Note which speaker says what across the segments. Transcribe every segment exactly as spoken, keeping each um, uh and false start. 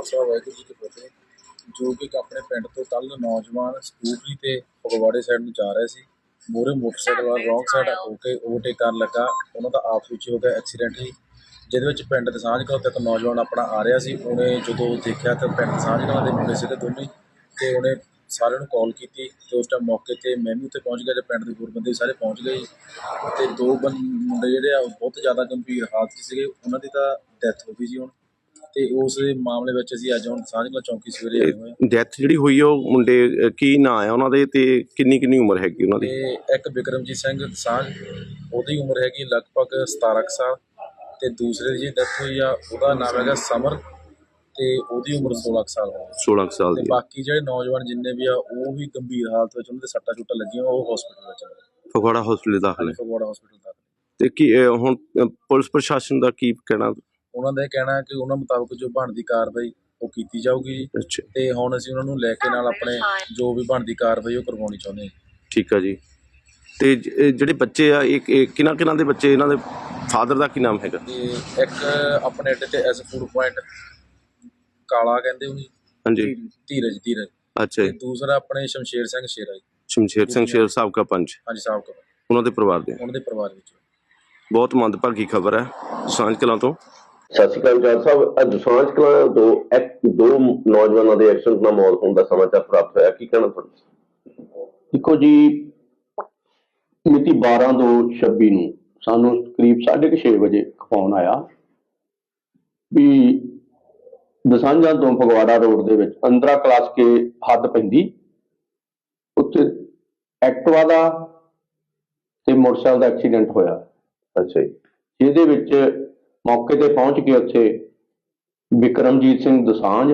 Speaker 1: खालसा वाहिगुरू जी की फतेह। जो कि अपने पिंड तो कल नौजवान स्कूटरी ते फगवाड़े साइड ਨੂੰ ਜਾ ਰਹੇ ਸੀ। ਮੂਹਰੇ ਮੋਟਰਸਾਈਕਲ ਵਾਲਾ ਰੌਂਗ ਸਾਈਡ ਹੋ ਕੇ ਓਵਰਟੇਕ ਕਰਨ ਲੱਗਾ। ਉਹਨਾਂ ਦਾ ਆਪਸ ਵਿੱਚ ਹੋ ਗਿਆ ਐਕਸੀਡੈਂਟਲੀ, ਜਿਹਦੇ ਵਿੱਚ ਪਿੰਡ ਦਸਾਂਝ ਕਲਾਂ ਤੋਂ ਇੱਕ ਨੌਜਵਾਨ ਆਪਣਾ ਆ ਰਿਹਾ ਸੀ। ਉਹਨੇ ਜਦੋਂ ਦੇਖਿਆ ਤਾਂ ਪਿੰਡ ਦਸਾਂਝ ਕਲਾਂ ਦੇ ਮੁੰਡੇ ਸੀਗੇ ਦੋਨੇ, ਅਤੇ ਉਹਨੇ ਸਾਰਿਆਂ ਨੂੰ ਕਾਲ ਕੀਤੀ ਅਤੇ ਉਸ ਟਾਈਮ ਮੌਕੇ 'ਤੇ ਮੈਂ ਵੀ ਉੱਥੇ ਪਹੁੰਚ ਗਿਆ ਅਤੇ ਪਿੰਡ ਦੇ ਹੋਰ ਬੰਦੇ ਸਾਰੇ ਪਹੁੰਚ ਗਏ। ਅਤੇ ਦੋ ਬੰ ਮੁੰਡੇ ਜਿਹੜੇ ਆ ਉਹ ਬਹੁਤ ਜ਼ਿਆਦਾ ਗੰਭੀਰ ਹਾਲਤ 'ਚ ਸੀਗੇ, ਉਹਨਾਂ ਦੀ ਤਾਂ ਡੈਥ ਹੋ ਗਈ ਜੀ ਹੁਣ। ਤੇ ਉਸ ਮਾਮਲੇ ਵਿੱਚ ਅਸੀਂ ਅੱਜ ਹੁਣ ਦਸਾਂਝ ਕਲਾਂ ਚੌਂਕੀ ਸਵੇਰੇ ਆਏ ਹੋਏ ਹਾਂ।
Speaker 2: ਡੈਥ ਜਿਹੜੀ ਹੋਈ ਆ ਉਹ ਮੁੰਡੇ ਕੀ ਨਾਂ ਆ ਉਹਨਾਂ ਦੇ, ਤੇ ਕਿੰਨੀ ਕਿੰਨੀ ਉਮਰ ਹੈਗੀ ਉਹਨਾਂ ਦੀ?
Speaker 1: ਤੇ ਇੱਕ ਬਿਕਰਮਜੀਤ ਸਿੰਘ ਦਸਾਂਝ, ਉਹਦੀ ਉਮਰ ਹੈਗੀ ਲਗਭਗ ਸਤਾਰਾਂ ਕੁ ਸਾਲ, ਤੇ ਦੂਸਰੇ ਦੀ ਜਿਹੜੀ ਡੈਥ ਹੋਈ ਆ ਉਹਦਾ ਨਾਮ ਹੈਗਾ ਸਮਰ, ਤੇ ਉਹਦੀ ਉਮਰ ਸੋਲਾਂ ਕੁ ਸਾਲ ਹੋਈ।
Speaker 2: ਸੋਲਾਂ ਕੁ ਸਾਲ
Speaker 1: ਤੇ
Speaker 2: ਦੀ।
Speaker 1: ਬਾਕੀ ਜਿਹੜੇ ਨੌਜਵਾਨ ਜਿੰਨੇ ਵੀ ਆ ਉਹ ਵੀ ਗੰਭੀਰ ਹਾਲਤ ਵਿੱਚ, ਉਹਨਾਂ ਦੇ ਸੱਟਾਂ ਸੁੱਟਾਂ ਲੱਗੀਆਂ, ਉਹ ਹਸਪੀਟਲ ਵਿੱਚ
Speaker 2: ਫਗਵਾੜਾ ਹਸਪੀਟਲ ਦਾਖਲ ਹੈ।
Speaker 1: ਫਗਵਾੜਾ ਹਸਪੀਟਲ ਦਾਖਲ।
Speaker 2: ਤੇ ਕੀ ਹੁਣ ਪੁਲਿਸ ਪ੍ਰਸ਼ਾਸਨ ਦਾ ਕੀ ਕਹਿਣਾ?
Speaker 1: ਉਹਨਾਂ ਦਾ ਇਹ ਕਹਿਣਾ ਹੈ ਕਿ ਉਹਨਾਂ ਮੁਤਾਬਕ ਜੋ ਬਣਦੀ ਕਾਰਵਾਈ ਉਹ ਕੀਤੀ ਜਾਊਗੀ ਜੀ।
Speaker 2: ਅੱਛਾ।
Speaker 1: ਤੇ ਹੁਣ ਅਸੀਂ ਉਹਨਾਂ ਨੂੰ ਲੈ ਕੇ ਨਾਲ ਆਪਣੇ ਜੋ ਵੀ ਬਣਦੀ ਕਾਰਵਾਈ ਉਹ ਕਰਵਾਉਣੀ ਚਾਹੁੰਦੇ ਹਾਂ।
Speaker 2: ਠੀਕ ਆ ਜੀ। ਤੇ ਜਿਹੜੇ ਬੱਚੇ ਆ ਇਹ ਕਿਹਨਾਂ ਕਿਹਨਾਂ ਦੇ ਬੱਚੇ, ਇਹਨਾਂ ਦੇ ਫਾਦਰ ਦਾ ਕੀ ਨਾਮ ਹੈਗਾ?
Speaker 1: ਤੇ ਇੱਕ ਆਪਣੇ ਅੱਡੇ ਤੇ ਐਸ ਫੂਡ ਪੁਆਇੰਟ ਕਾਲਾ ਕਹਿੰਦੇ ਉਹਨੂੰ,
Speaker 2: ਹਾਂਜੀ,
Speaker 1: ਧੀਰਜ ਧੀਰਜ
Speaker 2: ਅੱਛਾ ਜੀ।
Speaker 1: ਦੂਸਰਾ ਆਪਣੇ ਸ਼ਮਸ਼ੇਰ ਸਿੰਘ ਸ਼ੇਰਾ ਜੀ।
Speaker 2: ਸ਼ਮਸ਼ੇਰ ਸਿੰਘ ਸ਼ੇਰ ਸਾਬਕਾ ਪੰਚ,
Speaker 1: ਹਾਂਜੀ ਸਾਬਕਾ,
Speaker 2: ਉਹਨਾਂ ਦੇ ਪਰਿਵਾਰ ਦੇ।
Speaker 1: ਉਹਨਾਂ ਦੇ ਪਰਿਵਾਰ ਵਿੱਚ
Speaker 2: ਬਹੁਤ ਮੰਦਭਾਗੀ ਖਬਰ ਹੈ ਦਸਾਂਝ ਕਲਾਂ ਤੋਂ।
Speaker 3: ਸਤਿ ਸ਼੍ਰੀ ਅਕਾਲ ਜੱਜ ਸਾਹਿਬ। ਅੱਜ ਦਸਾਂਝ ਕਲਾਂ ਤੋਂ ਇੱਕ ਦੋ ਨੌਜਵਾਨਾਂ ਦੇ ਐਕਸੀਡੈਂਟ ਨਾਲ ਮੌਤ ਹੋਣ ਦਾ ਸਮਾਚਾਰ ਪ੍ਰਾਪਤ ਹੋਇਆ, ਕੀ ਕਹਿਣਾ ਤੁਹਾਡਾ?
Speaker 4: ਦੇਖੋ ਜੀ, ਮਿਤੀ ਬਾਰਾਂ ਦੋ ਛੱਬੀ ਨੂੰ ਸਾਨੂੰ ਕਰੀਬ ਸਾਢੇ ਕੁ ਛੇ ਵਜੇ ਫੋਨ ਆਇਆ ਵੀ ਦਸਾਂਝਾਂ ਤੋਂ ਫਗਵਾੜਾ ਰੋਡ ਦੇ ਵਿੱਚ ਅੰਦਰਾ ਕਲਾਸ ਕੇ ਹੱਦ ਪੈਂਦੀ, ਉੱਥੇ ਐਕਟਿਵਾ ਦਾ ਤੇ ਮੋਟਰਸਾਈਕਲ ਦਾ ਐਕਸੀਡੈਂਟ ਹੋਇਆ।
Speaker 3: ਅੱਛਾ ਜੀ।
Speaker 4: ਜਿਹਦੇ ਵਿੱਚ ਮੌਕੇ ਤੇ ਪਹੁੰਚ ਕੇ ਉੱਥੇ ਬਿਕਰਮਜੀਤ ਸਿੰਘ ਦਸਾਂਝ,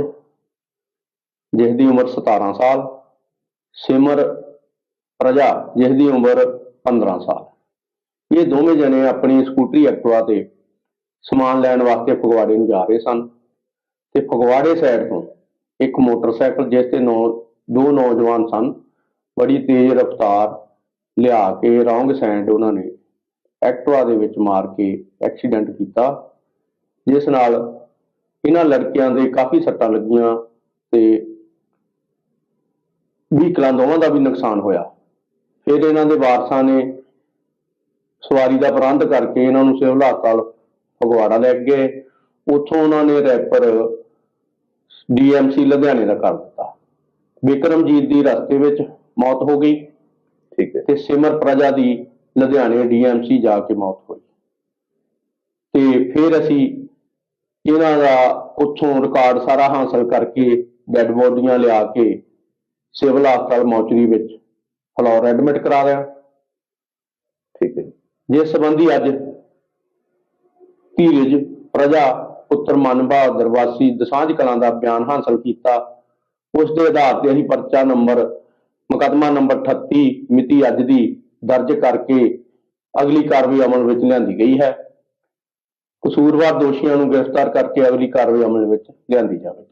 Speaker 4: ਜਿਸ ਦੀ ਉਮਰ ਸਤਾਰਾਂ ਸਾਲ, ਸਿਮਰ ਪ੍ਰਜਾ ਜਿਸ ਦੀ ਉਮਰ ਪੰਦਰਾਂ ਸਾਲ, ਇਹ ਦੋਵੇਂ ਜਣੇ ਆਪਣੀ ਸਕੂਟਰੀ ਐਕਟਿਵਾ ਤੇ ਸਮਾਨ ਲੈਣ ਵਾਸਤੇ ਫਗਵਾੜੇ ਨੂੰ ਜਾ ਰਹੇ ਸਨ। ਤੇ ਫਗਵਾੜੇ ਸਾਈਡ ਤੋਂ ਇੱਕ ਮੋਟਰਸਾਈਕਲ ਜਿਸ ਤੇ ਨੌ ਦੋ ਨੌਜਵਾਨ ਸਨ, ਬੜੀ ਤੇਜ਼ ਰਫ਼ਤਾਰ ਲਿਆ ਕੇ ਰੌਂਗ ਸਾਈਡ ਉਹਨਾਂ ਨੇ ਐਕਟਿਵਾ ਦੇ ਵਿੱਚ ਮਾਰ ਕੇ ਐਕਸੀਡੈਂਟ ਕੀਤਾ, ਜਿਸ ਨਾਲ ਇਹਨਾਂ ਲੜਕਿਆਂ ਦੇ ਕਾਫੀ ਸੱਟਾਂ ਲੱਗੀਆਂ ਤੇ ਵਹੀਕਲਾਂ ਦੋਵਾਂ ਦਾ ਵੀ ਨੁਕਸਾਨ ਹੋਇਆ। ਫਿਰ ਇਹਨਾਂ ਦੇ ਵਾਰਸਾਂ ਨੇ ਸਵਾਰੀ ਦਾ ਪ੍ਰਬੰਧ ਕਰਕੇ ਇਹਨਾਂ ਨੂੰ ਸਿਵਲ ਹਸਪਤਾਲ ਫਗਵਾੜਾ ਲੈ ਗਏ। ਉੱਥੋਂ ਉਹਨਾਂ ਨੇ ਰੈਫਰ ਡੀ ਐਮ ਸੀ ਲੁਧਿਆਣੇ ਦਾ ਕਰ ਦਿੱਤਾ। ਬਿਕਰਮਜੀਤ ਦੀ ਰਸਤੇ ਵਿੱਚ ਮੌਤ ਹੋ ਗਈ,
Speaker 3: ਠੀਕ ਹੈ,
Speaker 4: ਤੇ ਸਿਮਰ ਪ੍ਰਜਾ ਦੀ ਲੁਧਿਆਣੇ ਡੀ ਐਮ ਸੀ ਜਾ ਕੇ ਮੌਤ ਹੋਈ। ਤੇ ਫਿਰ ਅਸੀਂ ਇਹਨਾਂ ਦਾ ਉੱਥੋਂ ਰਿਕਾਰਡ ਸਾਰਾ ਹਾਸਲ ਕਰਕੇ ਡੈਡ ਬੋਡੀਆਂ ਲਿਆ ਕੇ ਸਿਵਲ ਹਸਪਤਾਲ ਮੌਚਰੀ ਵਿੱਚ ਫਲੋਰ ਐਡਮਿਟ ਕਰਾ ਲਿਆ।
Speaker 3: ਠੀਕ ਹੈ।
Speaker 4: ਜਿਸ ਸੰਬੰਧੀ ਅੱਜ ਧੀਰਜ ਪ੍ਰਜਾ ਪੁੱਤਰ ਮਨ ਬਹਾਦਰ ਵਾਸੀ ਦਸਾਂਝ ਕਲਾਂ ਦਾ ਬਿਆਨ ਹਾਸਲ ਕੀਤਾ। ਉਸ ਦੇ ਆਧਾਰ ਤੇ ਅਸੀਂ ਪਰਚਾ ਨੰਬਰ ਮੁਕੱਦਮਾ ਨੰਬਰ ਅਠੱਤੀ ਮਿਤੀ ਅੱਜ ਦੀ ਦਰਜ ਕਰਕੇ ਅਗਲੀ ਕਾਰਵਾਈ ਅਮਲ ਵਿੱਚ ਲਿਆਂਦੀ ਗਈ ਹੈ। ਕਸੂਰਵਾਰ ਦੋਸ਼ੀਆਂ ਨੂੰ ਗ੍ਰਿਫਤਾਰ ਕਰਕੇ ਅਗਲੀ ਕਾਰਵਾਈ ਅਮਲ ਵਿੱਚ ਲਿਆਂਦੀ ਜਾਵੇਗੀ।